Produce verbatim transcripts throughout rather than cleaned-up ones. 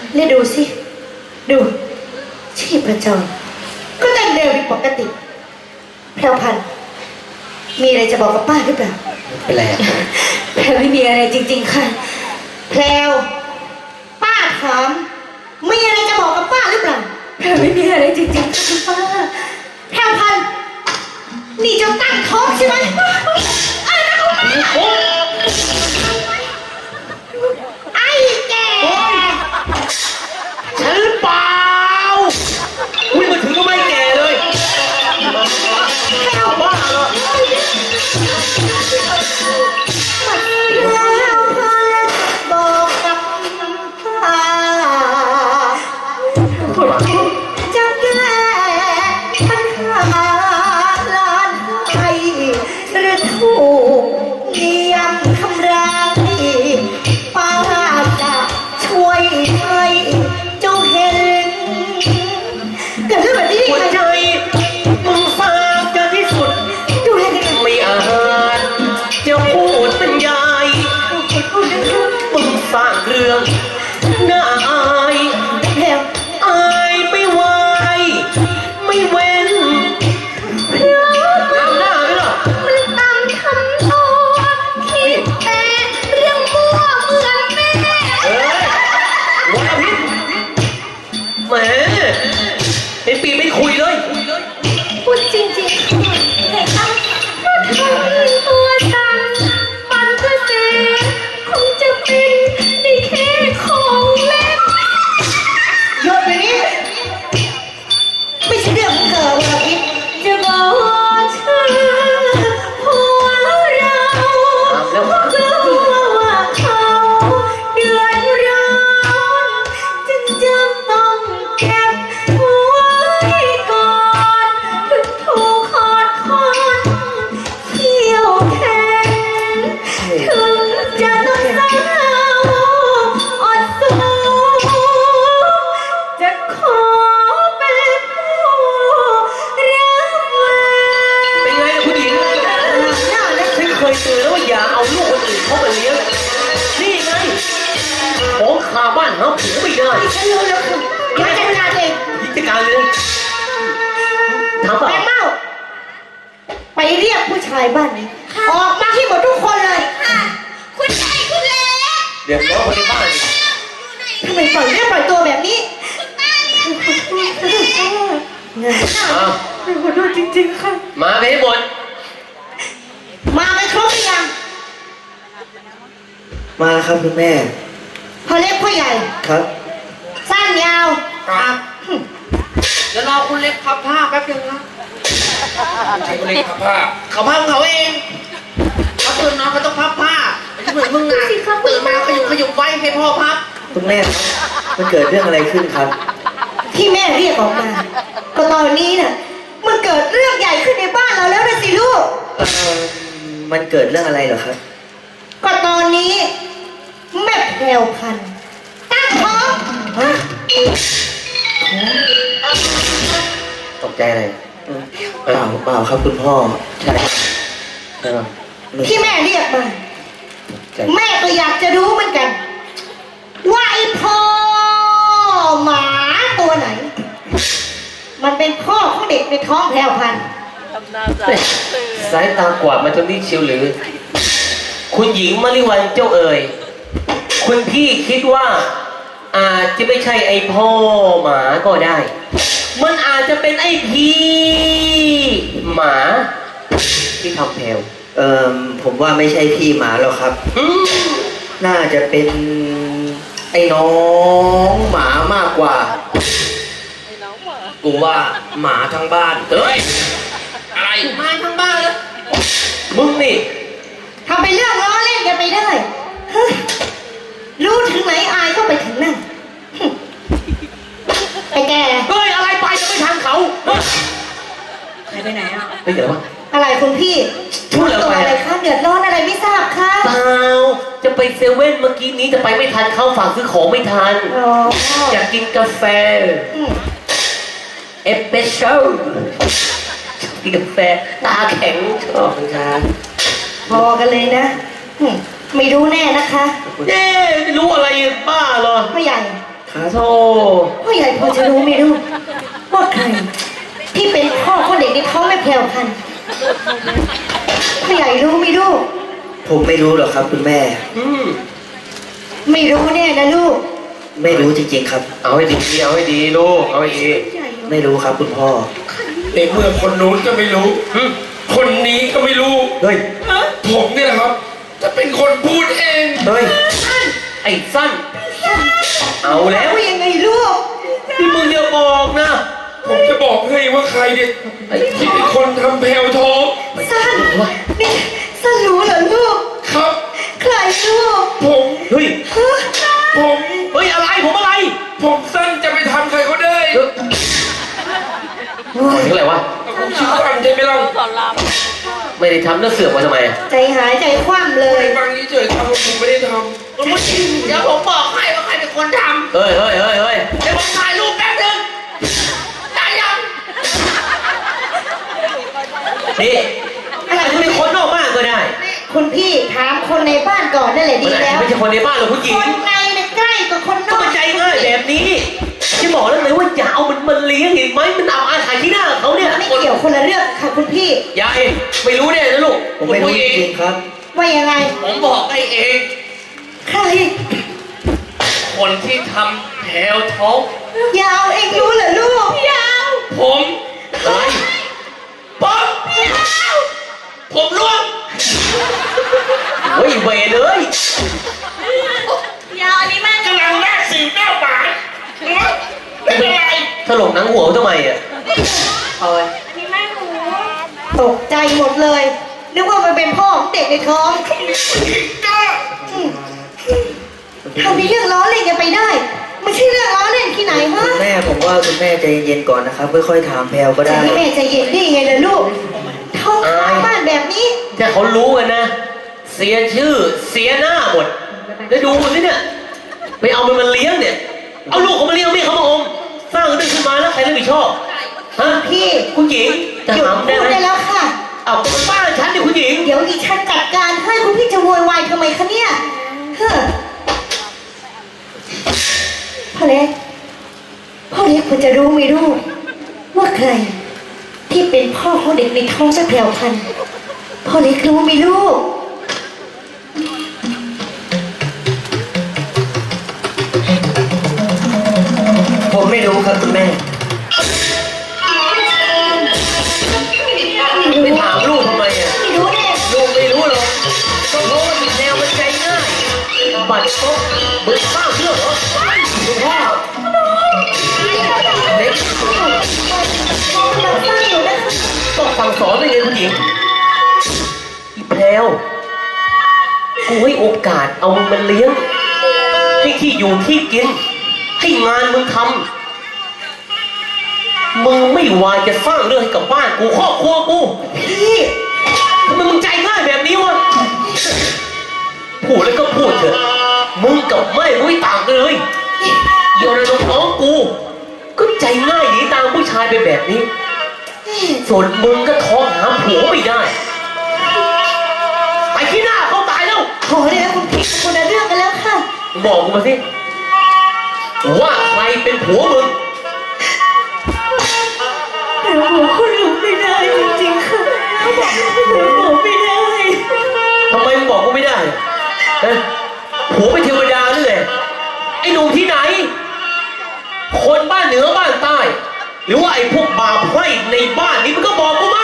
นี่ดูสิดูชีพจรก็เต้นเร็วผิดปกติแพรวพันธุ์มีอะไรจะบอกกับป้าหรือเปล่าเป็นไรแพรวไม่มีอะไรจริงๆค่ะแพรวป้าถามมีอะไรจะบอกกับป้าหรือเปล่าแพรวไม่มีอะไรจริงๆค่ะป้าแพรวพันธุ์นี่เจ้าตั้งท้องใช่ไหมไอ้นักมาไอ้แกฉันหรือเปล่าอุ้ยมาถึงก็ไม่แก่เลยบ้าเหรอแล้วพอบอกกับป้าจะแก้ปัญหาล้านไทยหรือถูกเยี่ยมทำร้ายป้าจะช่วยให้เจ้าเห็นเกิดเรื่องแบบนี้ได้ยังไงมึงฟังจะที่สุดดูแลกันไม่อาจจะพูดเป็นยายมึงสร้างเรื่องน่าอายแพรวอายไม่ไหวไม่เว้นน้ำหน้าไหมล่ะมันตามทำตัวคิดแต่เรื่องมั่วเหมือนแม่เอ้ยวันอาทิตย์แหมไอ้ปีไม่คุยเลยพูดจริงๆแต่ตั้งก็ทำตัวสั่นปันก็เสียคงจะเป็นได้แค่ของเล่นหยุดไปนี้ไม่ใช่เรื่องของเธอวันอาทิตย์จะบอกเธอหัวเรากลัวว่าเขาเดือดร้อนจึงจำต้องเก็บไว้ก่อนถึงถูกขอดคอนเขี้ยวแข็งถึงจะต้องเศร้าอดสู้จะขอเป็นผู้รับไว้เป็นไงล่ะผู้หญิงฉันเคยเตือนแล้วว่าอย่าเอาลูกคนอื่นเข้ามาเลี้ยงนี่ไงของขาบ้านเขาผิวไม่ได้ฉันรู้แล้วคือเดี๋ยวจัดการเองจัดการเลยถามเปล่าแม่เมาไปเรียกผู้ชายบ้านนี้ออกมาที่หมดทุกคนเลยคุณชายคุณเล็กเดี๋ยวน้องคนในบ้านทำไมปล่อยเรียกปล่อยตัวแบบนี้อ้าวขอโทษจริงๆค่ะมาไปให้หมดมาไปครบหรือยังมาครับคุณแม่พ่อเล็กพ่อใหญ่ครับสั้นยาวครับเดี๋ยวรอคุณเล็กพับผ้าแป๊บนึงนะใช่คุณเล็กพับผ้าเขาพับเขาเองเขาตื่นมาเขาต้องพับผ้าไม่ใช่เหมือนมึงนะตื่นมาขยุมขยุมไว้ให้พ่อพับคุณแม่มันเกิดเรื่องอะไรขึ้นครับที่แม่เรียกออกมาก็ตอนนี้น่ะมันเกิดเรื่องใหญ่ขึ้นในบ้านเราแล้วนะสิลูกมันเกิดเรื่องอะไรเหรอครับก็ตอนนี้แม่แพรวพันธุ์ตั้งท้องตกใจอะไรเปล่าเปล่าครับคุณพ่อใช่ที่แม่เรียกมาแม่ก็อยากจะรู้เหมือนกันว่าไอ้พ่อหมาตัวไหนมันเป็นพ่อของเด็กในท้องแพรวพันธุ์สายตากวาดมาจนนี่เชียวหรือคุณหญิงมริวันเจ้าเอ๋ยคุณพี่คิดว่าอาจจะไม่ใช่ไอ้พ่อหมาก็ได้มันอาจจะเป็นไอ้พี่หมาที่ทำแพลวเอ่อผมว่าไม่ใช่พี่หมาหรอกครับน่าจะเป็นไอ้น้องหมามากกว่ากูว่าหมาทั้งบ้านเฮ้ยอะไรหมาทั้งบ้านเลยมึงนี่ทำไปเรื่องล้อเล่นกันไปได้รู้ถึงไหนอายก็ไปถึงนั่นไอ้แกเฮ้ยอะไรไปจะไม่ทันเขาใครไปไหนอ่ะไม่เกิดวะอะไรคุณพี่พูดอะไรคะเดือดร้อนอะไรไม่ทราบค่ะเปล่าจะไปเซเว่นเมื่อกี้นี้จะไปไม่ทันเข้าฝากซื้อของไม่ทันอยากกินกาแฟเอสเปรสโซ่กินกาแฟตาแข็งชอบเหมือนกันพอกันเลยนะไม่รู้แน่นะคะเอ๊ะไม่รู้อะไรบ้าเหรอพ่อใหญ่ครับโธ่พ่อใหญ่พอจะรู้ไหมลูกว่าใคร ที่เป็นพ่อของเด็กในท้องแม่แพรวพันธุ์พ่อใหญ่รู้ไหมลูกผมไม่รู้หรอกครับคุณแม่อืมไม่รู้แน่นะลูกไม่รู้จริงๆครับเอาให้ดีเอาให้ดีลูกเอาให้ดีไม่รู้ครับคุณพ่อในเมื่อคนนู้นก็ไม่รู้อืมคนนี้ก็ไม่รู้เฮ้ยผมเนี่ยแหละครับ จะเป็นคนพูดเองเฮ้ยไอ้สั้น เอาแล้วว่ายังไงลูกที่มึงอย่าบอกนะผมจะบอกให้ว่าใครเนี่ยไอ้ที่เป็นคนทำแพลวท้องสั้นนี่สั้นรู้เหรอลูกครับใครลูกผมเฮ้ยฮะผมเฮ้ยอะไรผมอะไรผมสั้นจะไปทำใครเขาได้เฮ้ยถึงอะไรวะผมชื่อสั้นใช่ไหมล่ะไม่ได้ทำแล้วเสือกมาทำไมอะใจหายใจคว่ำเลยฟังนี้เฉยๆครับผมไม่ได้ทเดี๋ยวผมบอกให้ว่าใครเป็นคนทเฮ้ยเฮ้ยเฮ้ยเฮ้ยำเดี๋ยวผมถ่ายรูปแป๊บนึงได้ยังนี่อะไรจะเป็นคนนอกบ้านก็ได้คุณพี่ถามคนในบ้านก่อนนั่นแหละมัดีนอาจแล้จะวไม่ใช่คนในบ้านหรอกผู้หญิงคนในเนี่ยใกล้กว่าคนนก็อกมันใจง่ายแบบนี้ที่บอกแล้วไงว่าอย่าเอามันมันเลี้ยงเห็นไหมมันเอาอาหารที่หน้าเขาเนี่ยไม่เกี่ยวคนละเรื่องค่ะคุณพี่ยายไม่รู้เนี่ยนะลูกผมไม่รู้จริงๆครับว่ายังไงผมบอกให้เองใครคนที่ทำแถวท้องยาวเองรู้เหรอลูกยาวผมอะไรผมผมร่วงเฮ้ยเวเลยยาวอันนี้แม่งำกำลังหน้าสิวหน้าหวานไม่เป็นไรถลกหนังหัวทำไมอ่ะตกใจหมดเลยนึกว่ามันเป็นพ่อของเด็กในท้องกล้าทำในเรื่องล้อเล่นกันไปได้ไม่ใช่เรื่องล้อเล่นที่ไหนฮะคุณแม่ผมว่าคุณแม่ใจเย็นๆก่อนนะครับค่อยๆถามแพลวก็จะได้ให้แม่ใจเย็นได้ยังไงล่ะลูกท้องข้างบ้านแบบนี้ถ้าเขารู้กันนะ เสียชื่อเสียหน้าหมดแล้วดูสิเนี่ยไปเอามันมาเลี้ยงเนี่ย เอาลูกเขามาเลี้ยงไม่เขามาอมสร้างเรื่องขึ้นมาแล้วใครรับผิดชอบฮะพี่คุณหญิงจะหยุดถามพูได้ดไหมได้แล้วค่ะเอาเป็นบ้านฉันดิคุณหญิงเดี๋ยวดิฉันจัดการให้คุณพี่จะโวยวายทำไมคะเนี่ยเฮ้อพ่อเล็กพ่อเล็กควรจะรู้ไหมลูกว่าใคร ที่เป็นพ่อของเด็กในท้องแม่แพรวพันธุ์พ่อเล็กรู้ไหมลูกผมไม่รู้ครับคุณแม่ไปถามลูกทำไมอ่ะไม่รู้แน่ลูกไม่รู้หรอกก็เพราะว่ามีแนวมันใจง่ายบัดซบเบิกบ้าเรื่องเหรอคุณพ่อเด็กพ่อกำลังสร้างอยู่นะคะต้องสั่งสอนได้ไงคุณหญิงอีแพลวกูให้โอกาสเอามึงมันเลี้ยง ให้ที่อยู่ที่กิน ให้งานมึงทำมึงไม่วายจะสร้างเรื่องให้กับบ้านกูครอบครัวกูพี่ทำไมมึงใจง่ายแบบนี้วะพูดแล้วก็พูดเถอะมึงกับแม่มึงไม่ต่างกันเลยเดี๋ยวในน้องๆกู ก็ใจง่ายหนีตามผู้ชายไปแบบนี้ ส่วนมึงก็ท้องหาผัวไม่ได้ไปที่หน้าเขาตายแล้วขอเลยนะคุณพี่คนละเรื่องกันแล้วค่ะบอกกูมาสิว่าใครเป็นผัวมึงแต่ผมคุณรู้ไม่ได้จริงๆค่ะเขาบอกผมบอกไม่ได้ทำไมมึงบอกกูไม่ได้เอ้ยผัวเป็นเทวดาหรือไงไอ้หนุ่มที่ไหน คนบ้านเหนือบ้านใต้ หรือว่าไอ้พวกบาปไพร่ในบ้านนี้มันก็บอกกูมา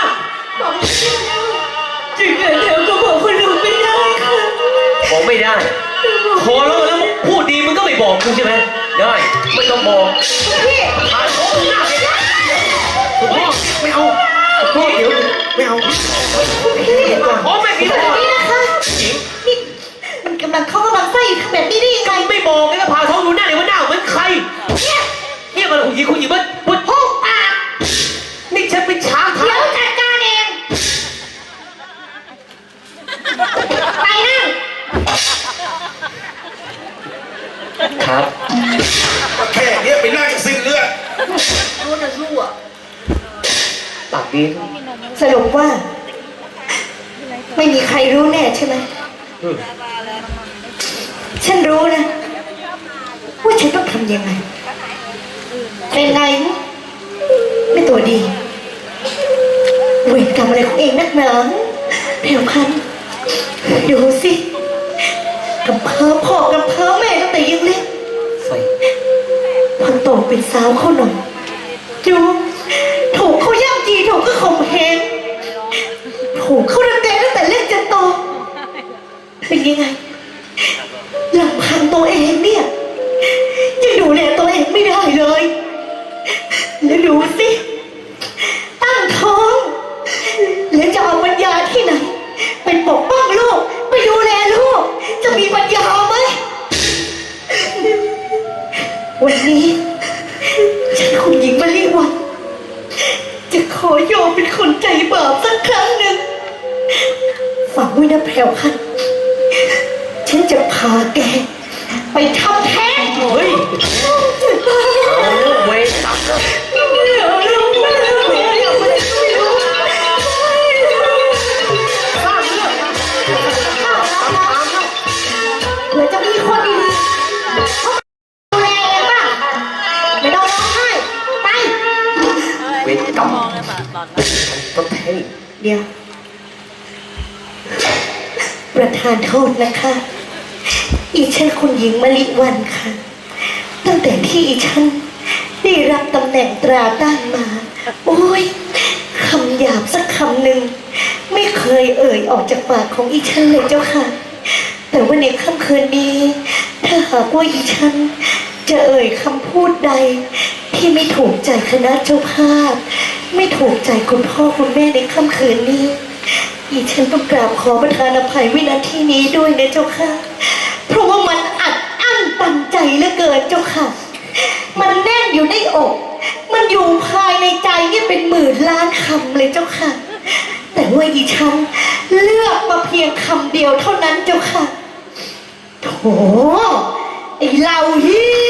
จริงๆแล้วก็บอกคุณรู้ไม่ได้ค่ะบอกไม่ได้ขอแล้วแล้วพูดดีมึงก็ไม่บอกกูใช่ไหมได้ไม่ต้องบอกพี่ผ่านโค้งหน้าไปได้ถูกพ่อไม่เอาพ่อเดี๋ยวไม่เอาพี่พ่อไม่มีแบพ่อบนี้นะคะหญิงนี่มันกำลังเข้ากำลังไส้อยู่แบบนี้ได้ยังไงไม่บอกไงก็พาท้องดูหน้าเดี๋ยวมันหน้าเหมือนใครเนี่ยเนี่ยมันคุณหญิงคุณหญิงมันพูดห้องปากนี่ฉันเป็นช้างเดี๋เท้ายวจัดการเองไปนั่งครับแค่เนี้ยไปนั่งสิ้นเลือดปากดีสรุปว่า ไม่มีใครรู้แน่ใช่ไหมอืมฉันรู้นะว่าฉันต้องทำยังไงเป็นไงไม่ตัวดีเวรกรรมอะไรของเองนักหนาแผ่วพันธุ์ดูสิกำเพ้อพ่อกำเพ้อแม่ตั้งแต่ยังเล็กใส่พอโตเป็นสาวเขาหน่อยดูถูกเขาย่ำยีถูกก็ข่มเหงถูกเขารังแกตั้งแต่เล็กจนโตเป็นยังไงลำพังตัวเองเนี่ยยังดูแลตัวเองไม่ได้เลยแล้วดูสิตั้งท้องแล้วจะเอาปัญญาที่ไหนไปปกป้องลูกไปดูแลลูกจะมีปัญญาไหมวันนี้ฉันคุณหญิงมาลีวันจะขอยอมเป็นคนใจบาปสักครั้งหนึ่งฝากไว้นะแพรวพันธุ์ฉันจะพาแกไปทำแท้งเฮ้ยเวรกรรมเผื่อจะมีคนดีๆดูแลเองป่ะไม่ต้องร้องไห้ไปเวรกรรมต้องแทงเดี๋ยว ประธานโทษนะคะ อีฉันคุณหญิงมะลิวันค่ะ ตั้งแต่ที่อีฉันได้รับตำแหน่งตราตั้งมา โอ้ยคำหยาบสักคำหนึ่งไม่เคยเอ่ยออกจากปากของอีฉันเลยเจ้าค่ะ แต่ว่าในค่ำคืนนี้ ถ้าหากว่าอีฉันจะเอ่ยคำพูดใด ที่ไม่ถูกใจคณะเจ้าภาพ ไม่ถูกใจคุณพ่อคุณแม่ในค่ำคืนนี้ อีฉันต้องกราบขอประทานอภัยวินาทีนี้ด้วยนะเจ้าค่ะ เพราะว่ามันอัดอั้นตันใจเหลือเกินเจ้าค่ะ มันแน่นอยู่ในอก มันอยู่ภายในใจเนี่ยเป็นหมื่นล้านคำเลยเจ้าค่ะ แต่ว่าอีฉันเลือกมาเพียงคำเดียวเท่านั้นเจ้าค่ะโถไอเหล่าเฮี